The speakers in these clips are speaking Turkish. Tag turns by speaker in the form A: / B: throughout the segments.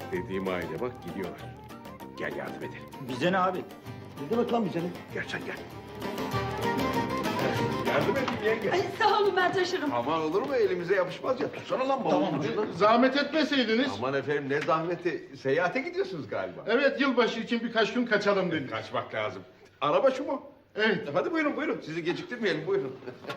A: Dediğim aile bak gidiyorlar. Gel yardım edelim.
B: Bize ne abi?
A: Ne demek lan bize ne? Gel sen gel. Yardım edin yenge.
C: Ay, sağ olun, ben taşırım.
A: Aman olur mu elimize yapışmaz ya. Tutsana lan
B: Tamam.
A: bavulun ucundan.
D: Zahmet etmeseydiniz.
A: Aman efendim ne zahmeti. Seyahate gidiyorsunuz galiba.
D: Evet, yılbaşı için birkaç gün kaçalım dedik.
A: Kaçmak lazım. Araba şu mu?
D: Evet.
A: Hadi buyurun. Sizi geciktirmeyelim buyurun.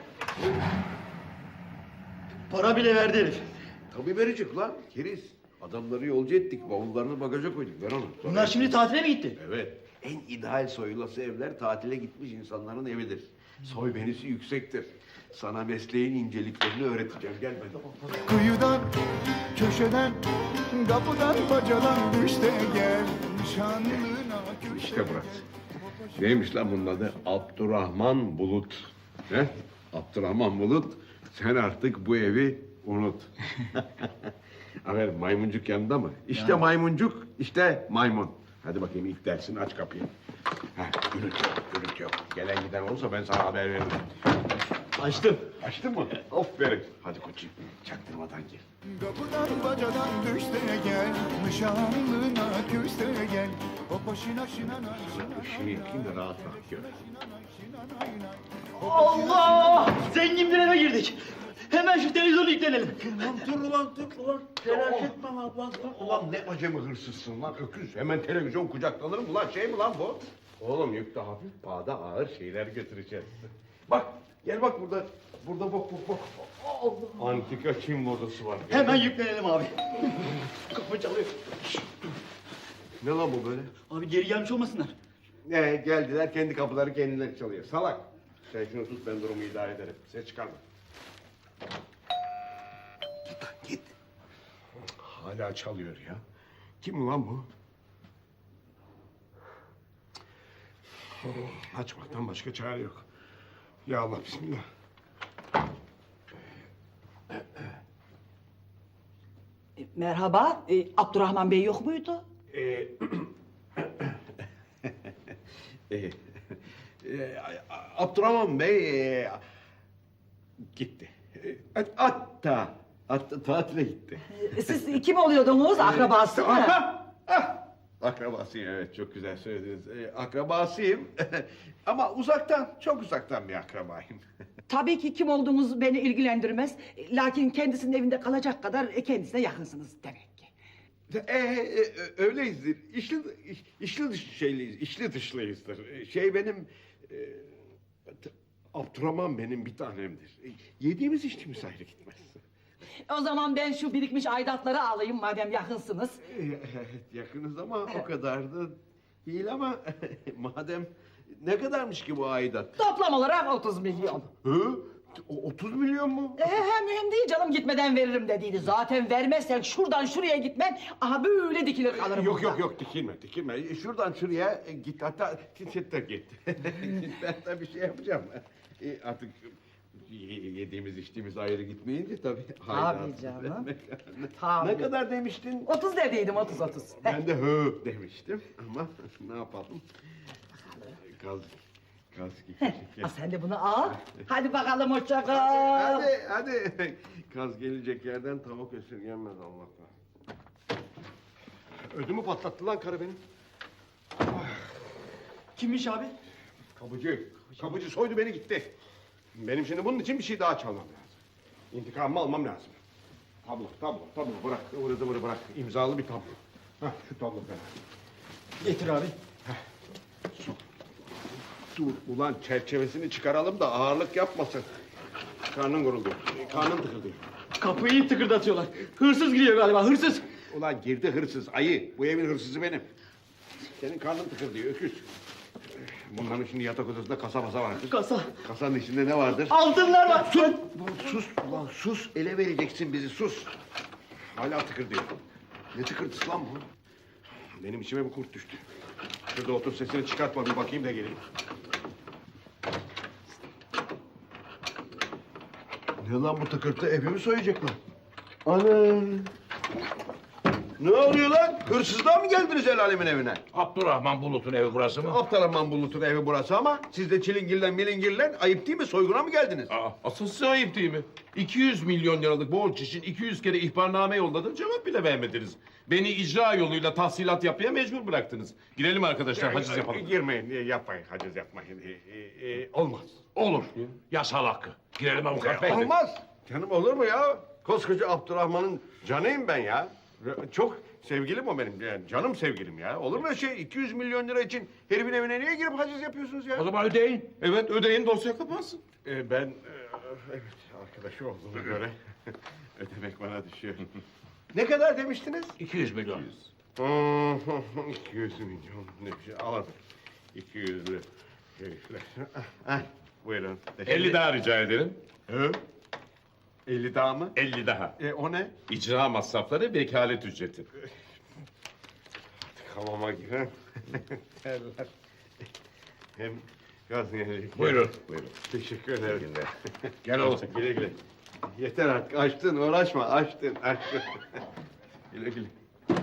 B: Para bile verdi herif.
A: Tabii verecek lan. Keriz. Adamları yolcu ettik. Bavullarını bagaja koyduk. Ver onu.
B: Bunlar şimdi tatile mi gitti?
A: Evet. En ideal soyulası evler tatile gitmiş insanların evidir. Soy benisi yüksektir. Sana mesleğin inceliklerini öğreteceğim. Gel ben.
E: Kıyıdan, köşeden, kapıdan, bacadan işte gel şanlına köşeden.
A: İşte burası. Neymiş lan bunun adı? Abdurrahman Bulut. He? Abdurrahman Bulut, sen artık bu evi unut. Aferin, maymuncuk yanında mı? İşte maymuncuk, işte maymun. Hadi bakayım ilk dersini aç kapıyı. Heh, gürültü yok. Gelen giden olursa ben sana haber veririm.
B: Açtım.
A: Açtın mı? Aferin. Hadi koçum, çaktırmadan gir.
E: Kapıdan, bacadan düşte gel şanlına köşte gel. O başına şinana
A: Işığı yıkayım da rahat rahat gör.
B: Allah! Zengin bir eve girdik. Hemen şu televizyonu yüklenelim.
A: Dur ulan. Telaş etme lan. Ulan ne acemi hırsızsın lan öküz. Hemen televizyon kucaklanır mı lan? Şey mi lan bu? Oğlum yükte hafif, pahada ağır şeyler götüreceğiz. Bak, gel bak burada. Burada bak. Allah! Antika Çin modası var.
B: Hemen yüklenelim abi. Kapı çalıyor.
A: Ne lan bu böyle?
B: Abi geri gelmiş olmasınlar.
A: Geldiler kendi kapıları kendileri çalıyor. Salak. Sen şunu tut ben durumu idare ederim. Ses çıkarma. Git lan git. Hala çalıyor ya. Kim ulan bu? Açmaktan başka çare yok. Ya Allah bismillah.
C: Merhaba, Abdurrahman Bey yok muydu?
A: Ee, Abdurrahman Bey gitti. Hatta tatile gitti.
C: Siz kim oluyordunuz, akrabası mı?
A: Akrabasıyım evet çok güzel söylediniz. Akrabasıyım ama uzaktan çok uzaktan bir akrabayım.
C: Tabii ki kim olduğunuz beni ilgilendirmez. Lakin kendisinin evinde kalacak kadar kendisine yakınsınız demek ki.
A: Öyleyizdir. İçli dışlıyızdır. Benim Abdurrahman benim bir tanemdir. Yediğimiz içtiğimiz ayrı gitmez.
C: O zaman ben şu birikmiş aidatları alayım madem yakınsınız.
A: Yakınız ama o kadar da değil ama madem ne kadarmış ki bu aidat?
C: Toplam olarak 30 milyon.
A: Hı? 30 milyon mu?
C: Mühim değil canım, gitmeden veririm dediydi. Zaten vermezsen şuradan şuraya gitmem, aha böyle dikilir kalırım.
A: Yok dikilme. Şuradan şuraya git hatta de git. Ben tabii şey yapacağım. Artık yediğimiz içtiğimiz ayrı gitmeyince tabii.
C: Tabii canım.
A: Tabii. Ne kadar demiştin?
C: 30 dediydim, 30.
A: Ben de hı demiştim ama ne yapalım? Gaz gibi.
C: Sen de bunu al. Hadi bakalım, hoşça kal.
A: Hadi. Kaz gelecek yerden tavuk esirgenmez Allah'tan. Ödümü patlattı lan karı benim.
B: Kimmiş abi?
A: Kapıcı soydu beni gitti. Benim şimdi bunun için bir şey daha çalmam lazım. İntikamımı almam lazım. Tablo bırak. Ivırı zıvırı bırak. İmzalı bir tablo. Hah şu tablo falan.
B: Getir abi.
A: Dur ulan çerçevesini çıkaralım da ağırlık yapmasın. Karnın guruldu. Karnın tıkırdıyor.
B: Kapıyı tıkırdatıyorlar. Hırsız giriyor galiba, hırsız.
A: Ulan girdi hırsız, ayı. Bu evin hırsızı benim. Senin karnın tıkırdıyor, öküz. Bunların şimdi yatak odasında kasa vardır.
B: Kasa.
A: Kasanın içinde ne vardır?
B: Altınlar var.
A: Sus ulan sus. Ele vereceksin bizi, sus. Hala tıkırdıyor. Ne tıkırtısı lan bu? Benim içime bir kurt düştü. Şurada otur, sesini çıkartma, bir bakayım da geleyim. Ne lan bu tıkırtı? Evimi soyacak lan. Ana! Ne oluyor lan? Hırsızlığa mı geldiniz el alemin evine?
F: Abdurrahman Bulut'un evi burası mı?
A: Abdurrahman Bulut'un evi burası ama siz de çilingirlen milingirlen ayıp değil mi? Soyguna mı geldiniz?
F: Asıl size ayıp değil mi? 200 milyon liralık borç için 200 kere ihbarname yolladım, cevap bile vermediniz. Beni icra yoluyla tahsilat yapmaya mecbur bıraktınız. Girelim arkadaşlar, haciz yapalım.
A: Girmeyin, yapmayın, haciz yapmayın. Olmaz.
F: Olur. Yasal hakkı. Girelim avukat bey.
A: Olmaz. Canım olur mu ya? Koskoca Abdurrahman'ın canıyım ben ya. Çok sevgilim o benim. Yani canım sevgilim ya. Olur mu öyle şey? 200 milyon lira için herifin evine niye girip haciz yapıyorsunuz ya?
F: O zaman ödeyin.
A: Evet, ödeyin, dosya kapansın. Ben evet, arkadaşı olduğuma göre ödemek bana düşüyor. Ne kadar demiştiniz?
F: 200 milyon.
A: 200 milyon ne bir şey alamadım. 200'lü herifler. Buyurun.
F: 50 daha rica ederim.
A: Hı? 50 daha mı?
F: 50 daha.
A: O ne?
F: İcra masrafları, vekalet ücreti.
A: Hamama giren terler. Hem gaz gelecek.
F: Buyurun. Buyurun.
A: Teşekkür ederim.
F: Gel oğlum.
A: Güle güle. Yeter artık. Açtın, uğraşma. Açtın. Güle güle.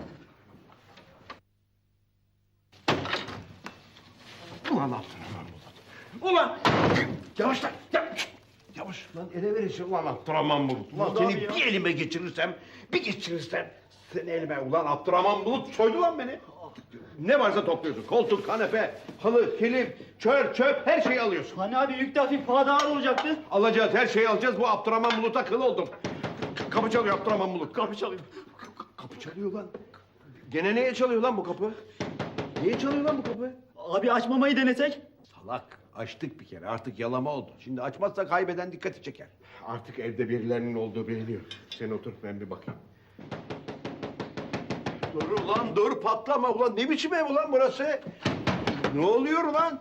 A: Ulan Abdurrahman Bulut. Ulan! Yavaş lan! Yavaş lan, ele verirsin ulan Abdurrahman Bulut. Ulan
B: Oldu
A: seni
B: abi ya.
A: bir elime geçirirsem, seni elime ulan Abdurrahman Bulut soydu lan beni. Ne varsa topluyorsun. Koltuk, kanepe, halı, kilim, çöp her şeyi alıyorsun.
B: Hani abi yük de hafif daha da ağır olacaktı.
A: Alacağız, her şeyi alacağız. Bu Abdurrahman Bulut'a kıl oldum. Kapı çalıyor Abdurrahman Bulut. Kapı çalıyor. Kapı çalıyor lan. Gene neye çalıyor lan bu kapı? Niye çalıyor lan bu kapı?
B: Abi açmamayı denesek.
A: Salak. Açtık bir kere. Artık yalama oldu. Şimdi açmazsa kaybeden dikkati çeker. Artık evde birilerinin olduğu biliniyor. Sen otur, ben bir bakayım. Dur ulan, dur patlama ulan. Ne biçim ev ulan burası? Ne oluyor ulan?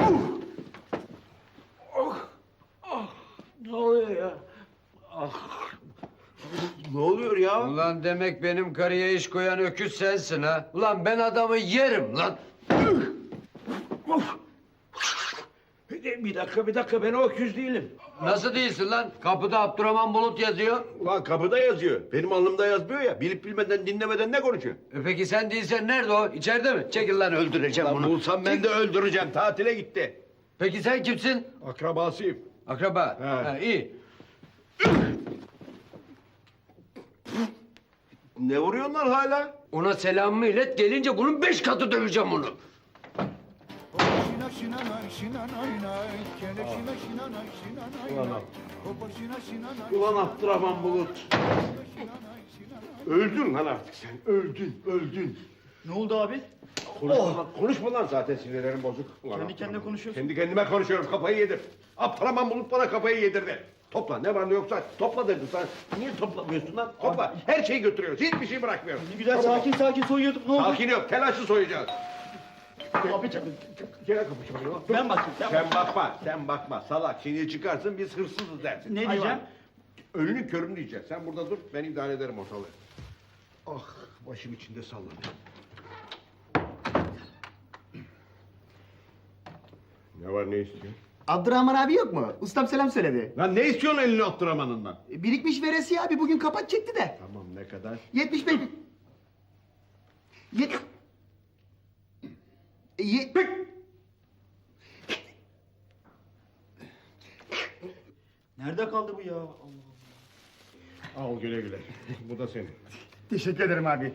A: Ne oluyor ya? Ne oluyor ya?
G: Ulan demek benim karıya iş koyan öküz sensin ha. Ulan ben adamı yerim lan.
A: Bir dakika ben o öküz değilim.
G: Nasıl değilsin lan? Kapıda Abdurrahman Bulut yazıyor.
A: Ulan kapıda yazıyor. Benim alnımda yazmıyor ya. Bilip bilmeden dinlemeden ne konuşuyor?
G: Peki sen değilsen nerede o? İçeride mi? Çekil lan öldüreceğim
A: Lan
G: bunu.
A: bulsam ben de öldüreceğim. Tatile gitti.
G: Peki sen kimsin?
A: Akrabasıyım.
G: Akraba.
A: He.
G: Ha, iyi.
A: Ne vuruyorsun lan hala?
G: Ona selamımı ilet. Gelince bunun 5 katı döveceğim onu.
E: Şina şina nay şina nay nay. Kele şina şina nay şina nay nay. Hopa şina şina nay.
A: Ulan Abdurrahman Bulut. Öldün lan artık sen. Öldün.
B: Ne oldu abi?
A: Konuşma lan zaten sinirlerim bozuk. Ulan
B: Kendi kendine
A: Abdurrahman.
B: konuşuyorsun.
A: Kendi kendime konuşuyorum. Kafayı yedir. Abdurrahman Bulut bana kafayı yedirdi. Topla. Ne var ne yoksa topla dedim sana. Niye toplamıyorsun lan? Topla. Her şeyi götürüyoruz. Hiçbir şey bırakmıyoruz.
B: Ne güzel
A: Çabuk ol.
B: sakin soyuyorduk, ne oldu?
A: Sakin yok. Telaşlı soyacağız.
B: Abi
A: Gene kapı çalıyor.
B: ben bakayım.
A: Sen bakma. Salak. Şimdi çıkarsın biz hırsızız dersin.
B: Ne
A: Hayvan.
B: diyeceğim?
A: Önünü körünü diyeceksin. Sen burada dur. Ben idare ederim ortalığı. Ah başım içinde sallanıyor. Ne var ne istiyorsun?
H: Abdurrahman abi yok mu? Ustam selam söyledi.
A: Lan ne istiyorsun elini Abdurrahman'ından?
H: Birikmiş veresiye abi bugün kapat çekti de.
A: Tamam ne kadar?
H: 75 bin.
B: Nerede kaldı bu ya?
A: Al güle güle. Bu da senin.
H: Teşekkür ederim abi.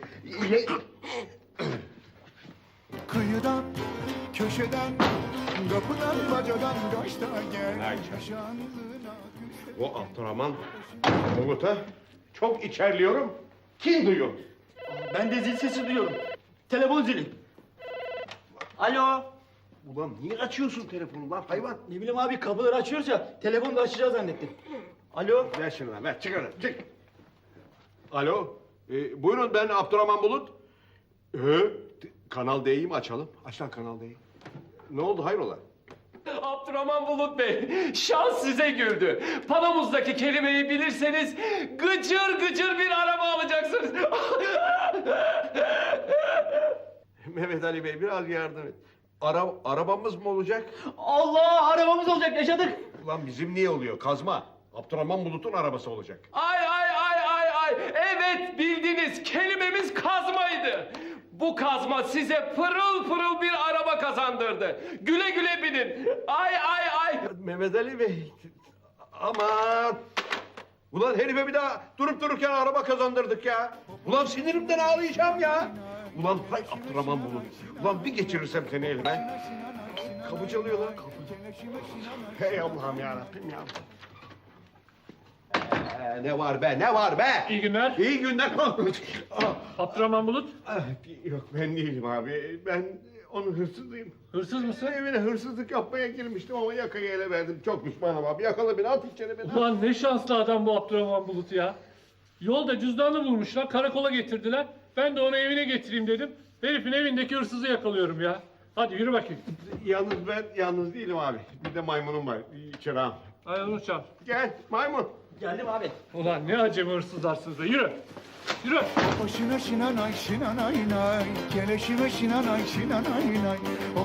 E: Kıyıdan, köşeden, kapıdan, bacadan kaçta gel.
A: Ay canım.
E: Nişanlına küste.
A: O Abdurrahman Bulut'a çok içerliyorum. Kim duyuyor?
B: Ben de zil sesi duyuyorum. Telefon zili. Alo.
A: Ulan niye açıyorsun telefonu lan hayvan?
B: Ne bileyim abi kapıları açıyoruz ya. Telefonu da açacağız zannettim. Alo.
A: Ver şunu lan ver çık öyle çık. Alo. Buyurun ben Abdurrahman Bulut. Kanal D'yi mi açalım? Aç lan Kanal D'yi. Ne oldu hayrola?
I: Abdurrahman Bulut Bey, şans size güldü. Panomuzdaki kelimeyi bilirseniz gıcır gıcır bir araba alacaksınız.
A: Mehmet Ali Bey biraz yardım et. Arabamız mı olacak?
B: Allah arabamız olacak yaşadık.
A: Ulan bizim niye oluyor? Kazma. Abdurrahman Bulut'un arabası olacak.
I: Ay ay ay ay ay ay. Evet bildiniz. Kelimemiz kazmaydı. Bu kazma size pırıl pırıl bir araba kazandırdı. Güle güle binin. Ay ay ay.
A: Mehmet Ali Bey. Aman. Ulan herife bir daha durup dururken araba kazandırdık ya. Ulan sinirimden ağlayacağım ya. Ulan hay Abdurrahman Bulut. Ulan bir geçirirsem seni elime. Kapı çalıyor lan kapı. Hey Allah'ım yarabbim ya. Ne var be, ne var be?
J: İyi günler.
A: İyi günler.
J: Abdurrahman Bulut.
A: Yok ben değilim abi. Ben onun hırsızıyım.
J: Hırsız mısın?
A: Evine hırsızlık yapmaya girmiştim ama yakayı ele verdim. Çok pişmanım abi. Yakala beni, at içeri beni.
J: Ulan ne şanslı adam bu Abdurrahman Bulut ya. Yolda cüzdanını bulmuşlar, karakola getirdiler. Ben de onu evine getireyim dedim. Herifin evindeki hırsızı yakalıyorum ya. Hadi yürü bakayım.
A: Yalnız ben yalnız değilim abi. Bir de maymunum var. İçeri al.
J: Hadi onu çal.
A: Gel maymun.
B: Geldim abi.
J: Ulan ne acemi hırsızlarsınız da yürü. Yürü.
E: Başına şinanay şinanay nay, keleşime şinanay şinanay nay.